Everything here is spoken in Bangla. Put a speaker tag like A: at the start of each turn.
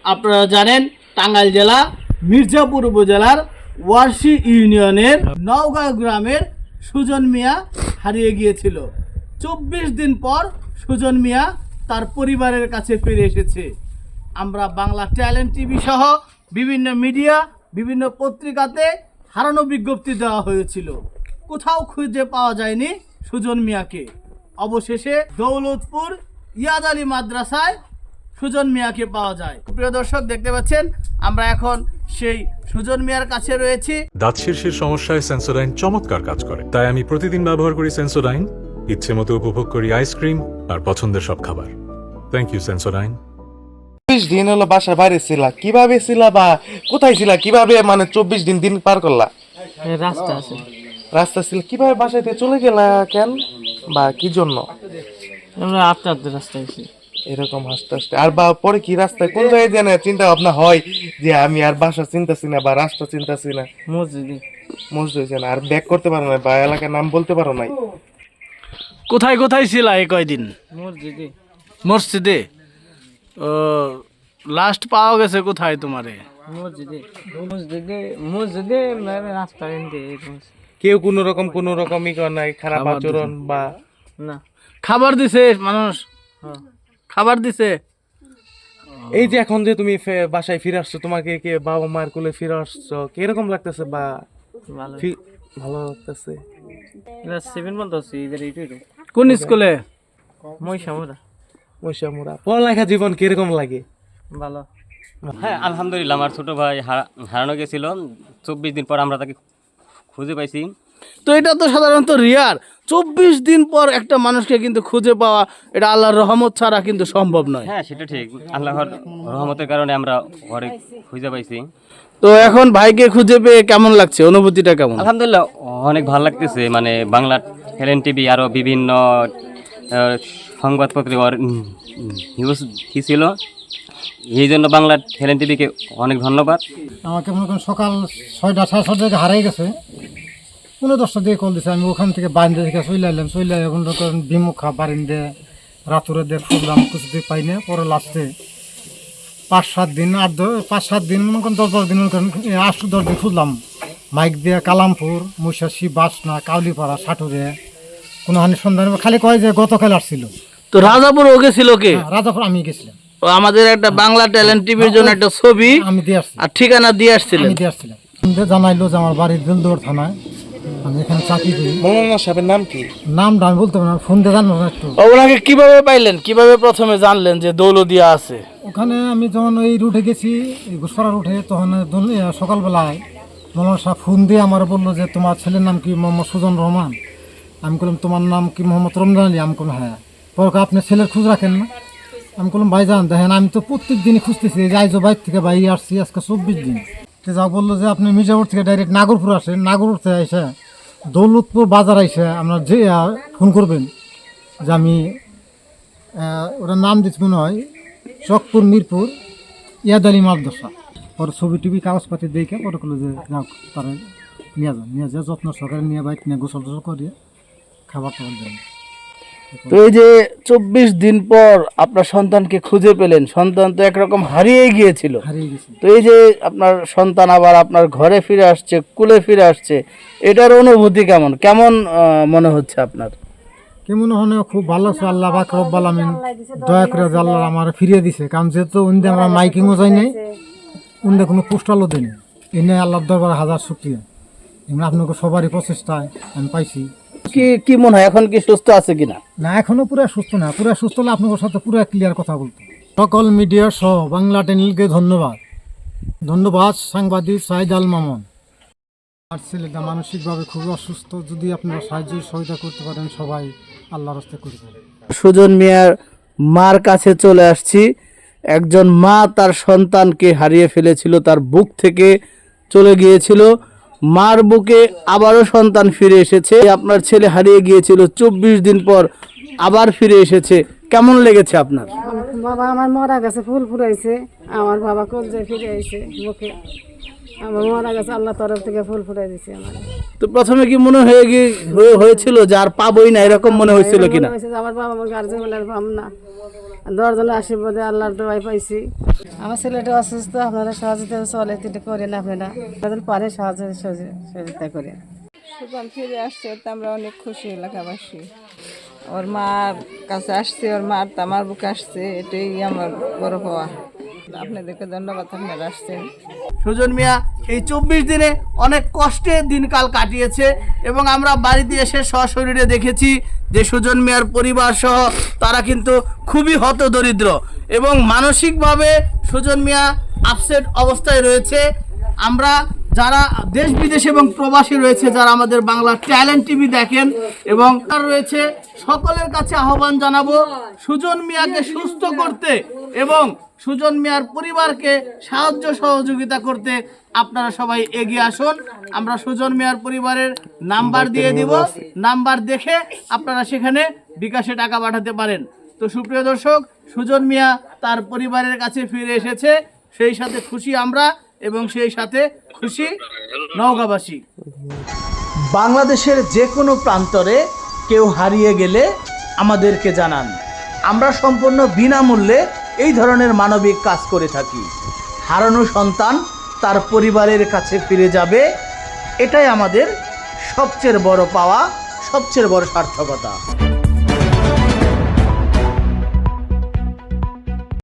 A: আপনারা জানেন টাঙ্গাইল জেলা মির্জাপুর উপজেলার ওয়ারশি ইউনিয়নের নওগাঁ গ্রামের সুজন মিয়া হারিয়ে গিয়েছিল। 24 দিন পর সুজন মিয়া তার পরিবারের কাছে ফিরে এসেছে। আমরা বাংলা ট্যালেন্ট টিভি সহ বিভিন্ন মিডিয়া, বিভিন্ন পত্রিকাতে হারানো বিজ্ঞপ্তি দেওয়া হয়েছিল, কোথাও খুঁজে পাওয়া যায়নি সুজন মিয়াকে। অবশেষে দৌলতপুর ইয়াদ আলী মাদ্রাসায় সুজন মিয়াকে পাওয়া যায়। প্রিয় দর্শক, দেখতে পাচ্ছেন আমরা এখন সেই সুজন মিয়ার কাছে রয়েছি।
B: দাঁত শীর্ষের সমস্যায় সেন্সোডাইন চমৎকার কাজ করে, তাই আমি প্রতিদিন ব্যবহার করি সেন্সোডাইন। ইচ্ছে মতো উপভোগ করি আইসক্রিম আর পছন্দের সব খাবার। Thank you Sensodyne.
C: 24 দিন হলো বাসার বাইরে ছিলা, কিভাবে ছিলা বা কোথায় ছিলা, কিভাবে মানে 24 দিন দিন পার করলা? রাস্তা ছিল, কিভাবে বাসায় থেকে চলে গেলা কেন বা কি জন্য?
D: আমরা আস্তে আস্তে রাস্তায়
C: এরকম হাসতে হাসতে আর বা পরে কি রাস্তায় কোন জায়গায় জানে চিন্তা ভাবনা হয় যে আমি আর বাসা চিন্তাছি না বা রাস্তা চিন্তাছি না? মসজিদে না আর ব্যাক করতে পারো না বা এলাকার নাম বলতে পারো নাই?
A: কোথায় কোথায় ছিল এই কয়দিন? মসজিদে। ও, লাস্ট পাওয়া গেছে কোথায় তোমারে?
D: মসজিদে রাস্তা
C: কেউ কোন রকম ই করে নাই, খারাপ আচরণ বা
D: না?
A: খাবার দিছে মানুষ? খাবার দিছে।
C: এই যে এখন যে তুমি বাসায় ফিরে আসছো, তোমাকে কে বাবা মার কোলে ফিরে আসছো, কিরকম লাগতেছে বা ভালো লাগতেছে?
A: কোন স্কুলে?
C: মহিষামুড়া। পড়ালেখা জীবন কিরকম লাগে?
D: ভালো।
E: হ্যাঁ, আলহামদুলিল্লাহ। আমার ছোট ভাই হারানো গেছিল, 24 দিন পর আমরা তাকে খুঁজে পাইছি।
A: তো এটা তো সাধারণত রিয়ার। 24 দিন পর একটা মানুষকে কিন্তু খুঁজে পাওয়া, এটা আল্লাহর রহমত ছাড়া কিন্তু সম্ভব নয়।
E: হ্যাঁ, সেটা ঠিক। আল্লাহর রহমতের কারণে আমরা ঘরে খুঁজে পাইছি।
A: তো এখন ভাইকে খুঁজে পেয়ে কেমন লাগছে, অনুভূতিটা কেমন?
E: আলহামদুলিল্লাহ, অনেক ভালো লাগতেছে। মানে বাংলা ট্যালেন্ট টিভি আরও বিভিন্ন সংবাদপত্রে নিউজ ছিল, এই জন্য বাংলা ট্যালেন্ট টিভিকে অনেক ধন্যবাদ।
F: আমাকে মনে করেন সকাল 6টা 6:30 থেকে হারিয়ে গেছে, 10:30 দিয়ে কল দিছে। আমি ওখান থেকে বারিন্দা থেকে চলে এলাম, মনে করেন বিমুখা বারিন্দে রাতুরে দিয়ে খুঁজলাম, কিছুতে পাই না। পরে লাস্টে 5-7 দিন 5-7 দিন মনে করেন 10-12 দিন মনে করেন 8-10 দিন খুঁজলাম। মাইক দিয়ে কালামপুর, মুশাসি, বাসনা, কাউলিপাড়া, সাটুরে কোনো হানি সন্ধান, খালি কয় যে গতকাল আসছিল।
A: তো রাজাপুর ওকে ছিল কে?
F: রাজাপুর আমি গেছিলাম।
A: আমাদের একটা বাংলা ট্যালেন্ট টিভির জন্য একটা ছবি
F: আমি দিয়ে আসছি
A: আর ঠিকানা দিয়ে আসছিলেন।
F: আমি দিয়ে আসছিলাম। জানাইলো যে আমার বাড়ির দিলদুয়ার থানায়, আমি এখানে চাকরি করি।
C: মৌলানা সাহেবের নাম কি?
F: নামটা আমি বলতে পারি না, ফোন দিয়ে জানবো না একটু।
A: ওনাকে কিভাবে পাইলেন, কিভাবে প্রথমে জানলেন যে দৌলদিয়া আছে?
F: ওখানে আমি যখন ওই রুটে গেছি, ঘোষপাড়া রুটে, তখন সকালবেলায় মৌলানা সাহেব ফোন দিয়ে আমার বললো যে তোমার ছেলের নাম কি? মোহাম্মদ সুজন রহমান। আমি বললাম তোমার নাম কি? মোহাম্মদ রমজান আলী। আমি বললাম হ্যাঁ। পরে আপনি ছেলের খোঁজ রাখেন না? আমি বললাম ভাইজান দেখেন, আমি তো প্রত্যেক দিনই খুঁজতেছি, যে আইজো বাইর থেকে বাইরে আসছি আজকে 24 দিন। যা বললো যে আপনি মির্জাপুর থেকে ডাইরেক্ট নাগরপুর আসেন, নাগরপুর থেকে এসে দৌলতপুর বাজার আইসে আপনার যে ফোন করবেন যে আমি ওটার নাম দিচ্ছি মনে হয় চকপুর মিরপুর ইয়াদ আলী মাদ্রাসা। পরে ছবি টবি কাগজপাতি দেখে পরে করলো যে যাও তারা নিয়ে যায় যত্ন সহকারে নিয়ে বাইক নিয়ে গোসল টোসল করিয়ে খাবার টাবার দেন।
A: তো এই যে 24 দিন পর আপনার সন্তানকে খুঁজে পেলেন, সন্তান তো একরকম হারিয়ে গিয়েছিল। তো এই যে আপনার সন্তান আবার আপনার ঘরে ফিরে আসছে, কুলে ফিরে আসছে, এটার অনুভূতি কেমন কেমন মনে হচ্ছে আপনার?
F: কেমন হনে খুব ভালো লাগছে। আল্লাহ পাক রব্বুল আমিন দয়া করে আল্লাহ আমার ফিরিয়ে দিছে। কারণ যেহেতু উন্দে আমরা মাইকিংও যাই নাই, উন্দে কোনো পোস্টালও দেয়নি। এনে আল্লাহর দরবারে হাজার শুকরিয়া। এমনি আপনাকে সবারই প্রচেষ্টায় আমি পাইছি।
A: কি মনে হয় এখন কি সুস্থ আছে কিনা?
F: না, এখনো পুরো সুস্থ না। পুরো সুস্থ হলে আপনাদের সাথে পুরো ক্লিয়ার কথা বলতো। সকল মিডিয়া সহ বাংলা চ্যানেলকে ধন্যবাদ সাংবাদিক সাইদ আল মামুন। আর ছেলেটা মানসিকভাবে খুবই অসুস্থ, যদি আপনারা সাহায্য সহায়তা করতে পারেন সবাই আল্লাহর রাস্তায় করবেন।
A: সুজন মিয়ার মার কাছে চলে আসছি। একজন মা তার সন্তানকে হারিয়ে ফেলেছিল, তার বুক থেকে চলে গিয়েছিল, মার বুকে আবারও সন্তান ফিরে এসেছে। আপনার ছেলে হারিয়ে গিয়েছিল, 24 দিন পর আবার ফিরে এসেছে, কেমন লেগেছে আপনার?
G: বাবা আমার মরা গেছে, ফুল ফুরাইছে, আমার বাবা কলজে ফিরে আইছে মুখে, আমার মরা গেছে, আল্লাহ তরফ থেকে ফুল ফুরাই দিছে আমার।
A: তো প্রথমে কি মনে হয়েছিল যে আর পাবোই না, এরকম মনে হয়েছিল কিনা?
G: আমার বাবা আমার গার্জেন বলে পাম না, দশজনের আশীর্বাদে আল্লাহর দোয়াই পাইছি। আমার ছেলেটা অসুস্থ, আপনারা সহযোগিতা চলে এটা করেন, আপনারা যাদের পারে সহযোগিতা করেন।
H: সুজন ফিরে আসছে, তো আমরা অনেক খুশি এলাকাবাসী। ওর মার কাছে আসছে, ওর মার তো আমার বুকে আসছে, এটাই আমার বড় পাওয়া। আপনাদেরকে ধন্যবাদ, আপনারা আসছেন।
A: সুজন মিয়া এই 24 দিনে অনেক কষ্টে দিনকাল কাটিয়েছে এবং আমরা বাড়িতে এসে সশরীরে দেখেছি যে সুজন মিয়ার পরিবার সহ তারা কিন্তু খুবই হতদরিদ্র এবং মানসিকভাবে সুজন মিয়া আপসেট অবস্থায় রয়েছে। আমরা যারা দেশ বিদেশ এবং প্রবাসী রয়েছে, যারা আমাদের বাংলা ট্যালেন্ট টিভি দেখেন এবং তার রয়েছে, সকলের কাছে আহ্বান জানাবো সুজন মিয়াকে সুস্থ করতে এবং সুজন মিয়ার পরিবারকে সাহায্য সহযোগিতা করতে আপনারা সবাই এগিয়ে আসুন। আমরা সুজন মিয়ার পরিবারের নাম্বার দিয়ে দিব, নাম্বার দেখে আপনারা সেখানে বিকাশে টাকা পাঠাতে পারেন। তো সুপ্রিয় দর্শক, সুজন মিয়া তার পরিবারের কাছে ফিরে এসেছে, সেই সাথে খুশি আমরা এবং সেই সাথে খুশি নওগাঁবাসী। বাংলাদেশের যে কোনো প্রান্তরে কেউ হারিয়ে গেলে আমাদেরকে জানান, আমরা সম্পূর্ণ বিনামূল্যে এই ধরনের মানবিক কাজ করে থাকি। হারানো সন্তান তার পরিবারের কাছে ফিরে যাবে, এটাই আমাদের সবচেয়ে বড় পাওয়া, সবচেয়ে বড় সার্থকতা।